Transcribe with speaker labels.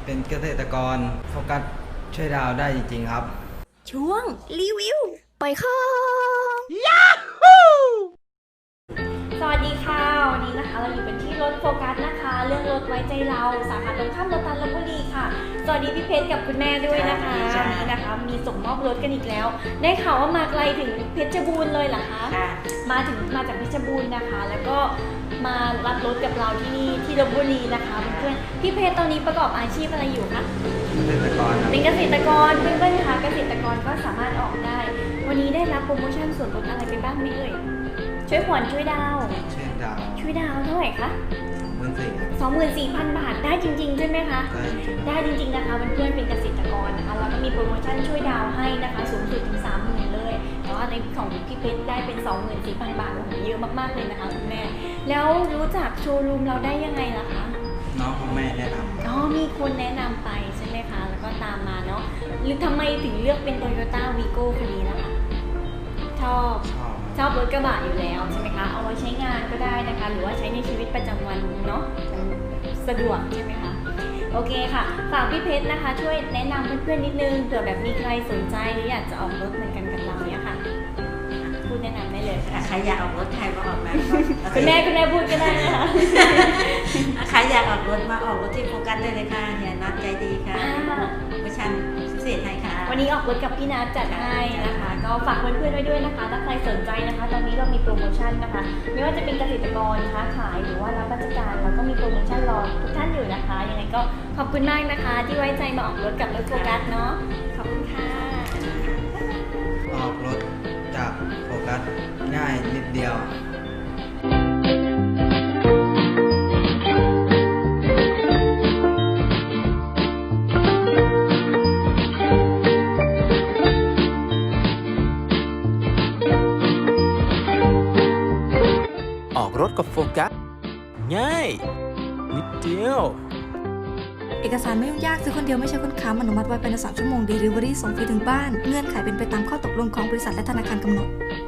Speaker 1: เป็นเกษตรกรโฟกัสช่วยดาวได้จริงๆครับ
Speaker 2: ช่วงรีวิวปล่อยของ สวัสดีค่ะวันนี้นะคะเราอยู่กันที่รถโฟกัสนะคะเรื่องรถไว้ใจเราสาขาตรงข้ามโลตัสลพบุรีค่ะสวัสดีพี่เพชรกับคุณแม่ด้วยนะคะวันนี้นะคะมีส่งมอบรถกันอีกแล้วได้ข่าวว่ามาไกลถึงเพชรบูรณ์เลยเหรอคะมาจากเพชรบูรณ์นะคะแล้วก็มารับรถกับเราที่นี่ที่ลพบุรีนะคะเพื่อนๆพี่เพชรตอนนี้ประกอบอาชีพอะไรอยู่คะ
Speaker 1: เกษตรกร
Speaker 2: เป็นเกษตรกรเพื่อนๆคะเกษตรกรก็สามารถออกได้วันนี้ได้รับโปรโมชั่นส่วนลดอะไรไปบ้างไหมเอ่ยช่วยผ่อนช่วยดาวช่วยดาวเท่าไหร่คะ24,000 บาทได้จริงๆใช่ไหมคะได้จริงๆนะคะเพื่อนๆเป็นเกษตรกรนะคะแล้วก็มีโปรโมชั่นช่วยดาวให้นะคะสูงสุดถึง 30,000 เลยแต่ว่าในของพี่เพชรได้เป็น 24,000 บาทโอ้โหเยอะมากๆเลยนะคะคุณแม่แล้วรู้จักโชว์รูมเราได้ยังไงล่ะคะ
Speaker 1: น้องของแม่แนะนำ
Speaker 2: มีคนแนะนำไปใช่ไหมคะแล้วก็ตามมาเนาะหรือทำไมถึงเลือกเป็น Toyota Vigo คันนี้นะคะชอบรถกระบะอยู่แล้วใช่ไหมคะเอาไว้ใช้งานก็ได้นะคะหรือว่าใช้ในชีวิตประจำวันเนาะสะดวกใช่ไหมคะโอเคค่ะฝากพี่เพชรนะคะช่วยแนะนำเพื่อนๆนิดนึงเผื่อแบบมีใครสนใจหรืออยากจะออกรถเหมือนกันกับเราเนี่ยค่ะพูดแนะนำได้เลยค่ะ
Speaker 3: ใครอยากออกรถใครมาออกมา
Speaker 2: คุณแม่พูดก็ได้นะคะ
Speaker 3: ใครอยากออกรถมาออกรถที่โฟกัสได้เลยค่ะเฮียนัดใจดีค่ะโปรโมชั่นพิเศษให้ค่ะ
Speaker 2: วันนี้ออกรถกับพี่นัทจัดให้นะคะก็ฝากเพื่อนๆไว้ด้วยนะคะถ้าใครสนใจนะคะตอนนี้เรามีโปรโมชั่นนะคะไม่ว่าจะเป็นเกษตรกรค้าขายหรือว่ารับราชการเราก็มีโปรโมชั่นรอทุกท่านอยู่นะคะยังไงก็ขอบคุณมากนะคะที่ไว้ใจมาออกรถกับรถโฟกัสเนาะขอบคุณค่ะ
Speaker 1: ออกรถจากโฟกัสง่ายนิดเดียว
Speaker 4: ออกรถกับโฟกัสง่ายนิดเดียว
Speaker 5: เอกสารไม่ยุ่งยากซื้อคนเดียวไม่ใช่คนค้ำอนุมัติไว้ภายใน3 ชั่วโมง Delivery ส่งฟรีถึงบ้านเงื่อนไขเป็นไปตามข้อตกลงของบริษัทและธนาคารกำหนด